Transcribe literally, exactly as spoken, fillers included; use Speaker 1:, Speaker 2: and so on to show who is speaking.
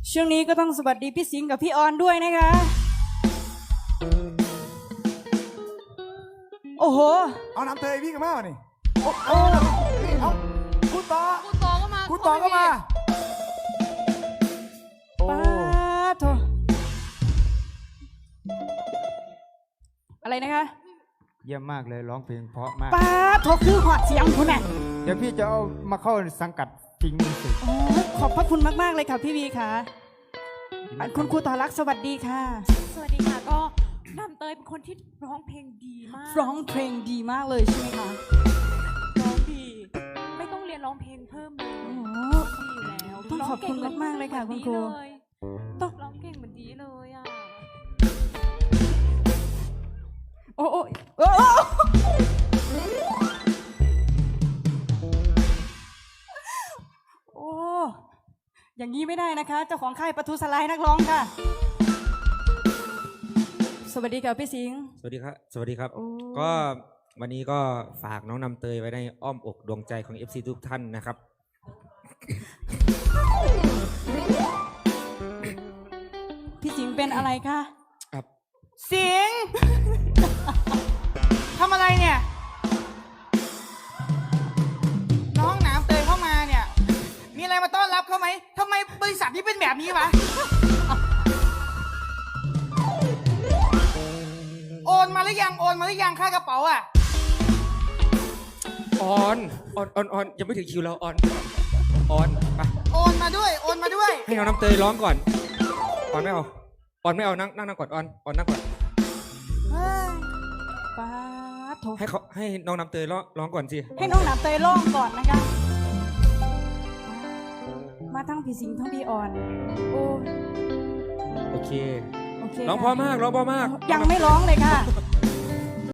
Speaker 1: ช่วงนี้ก็ต้องสวัสดีพี่สิงห์กับพี่ออนด้วยนะคะโอ้โห
Speaker 2: เอาน้ำเตยวิ่งกันมาหนิโอ้
Speaker 1: โอ้
Speaker 2: เอาคุณต่อ
Speaker 3: คุณต่อก็มา
Speaker 2: คุณต่อก็มาโอ้
Speaker 1: ป้าโถอะไรนะคะ
Speaker 2: เยี่ยมมากเลยร้องเพลงเพราะมาก
Speaker 1: ป้าโถคือหอดเสียงคุณน่ะ
Speaker 2: เดี๋ยวพี่จะเอามาเข้าสังกัดจริงมิวสิก
Speaker 1: ขอบพระคุณมากๆเลยค่ะพี่วีค่ะคุณครูต่อรักสวัสดีค่ะ
Speaker 3: สวัสดีค่ะก็น้ำเตยเป็นคนที่ร้องเพลงดีมาก
Speaker 1: ร้องเพลงดีมากเลยใช่ไหมคะ
Speaker 3: ร้องดีไม่ต้องเรียนร้องเพลงเพิ่มเลยดีอยู่แล้ว
Speaker 1: ต้องขอบคุณมากๆเลยค่ะคุณครู
Speaker 3: ต้องร้องเก่งเหมือนดีเลยอ่ะ
Speaker 1: โอ้โอ้โอ้โอ้อย่างนี้ไม่ได้นะคะเจ้าของค่ายปทุสลายนักร้องค่ะสวัสดีค่ะพี่สิงห์
Speaker 4: สวัสดีครับสวัสดีครับก็วันนี้ก็ฝากน้องน้ำเตยไว้ในอ้อมอกดวงใจของ เอฟ ซี ทุกท่านนะครับ
Speaker 1: พี่สิงห์เป็นอะไรคะ
Speaker 4: ครับ
Speaker 1: สิงห์ทำอะไรเนี่ยน้องน้ำเตยเข้ามาเนี่ยมีอะไรมาต้อนรับเขาไหมทำไมบริษัทนี้เป็นแบบนี้วะโอนมาหรือยังโอนมาหรือยังค่ากระเป๋าอ่ะ
Speaker 4: ออนออนออนออนยังไม่ถึงคิวเราออนออนไป
Speaker 1: โอนมาด้วยโอนมาด้วย
Speaker 4: ให้น้องน้ำเตยร้องก่อนออนไม่เอาออนไม่เอานั่งนั่งนั่งก่อนออนออนนั่งก่อน
Speaker 1: ป้าโถ
Speaker 4: ให้เขาให้น้องน้ำเตยร้องร้องก่อนสิ
Speaker 1: ให้น้องน้ำเตยร้องก่อนนะคะมาทั้งพี่สิงห์ทั้งพี่ออนโอ้
Speaker 4: โอเค
Speaker 1: โอเค
Speaker 4: ร้องพอมากร้องพอมาก
Speaker 1: ยังไม่ร้องเลยค่ะ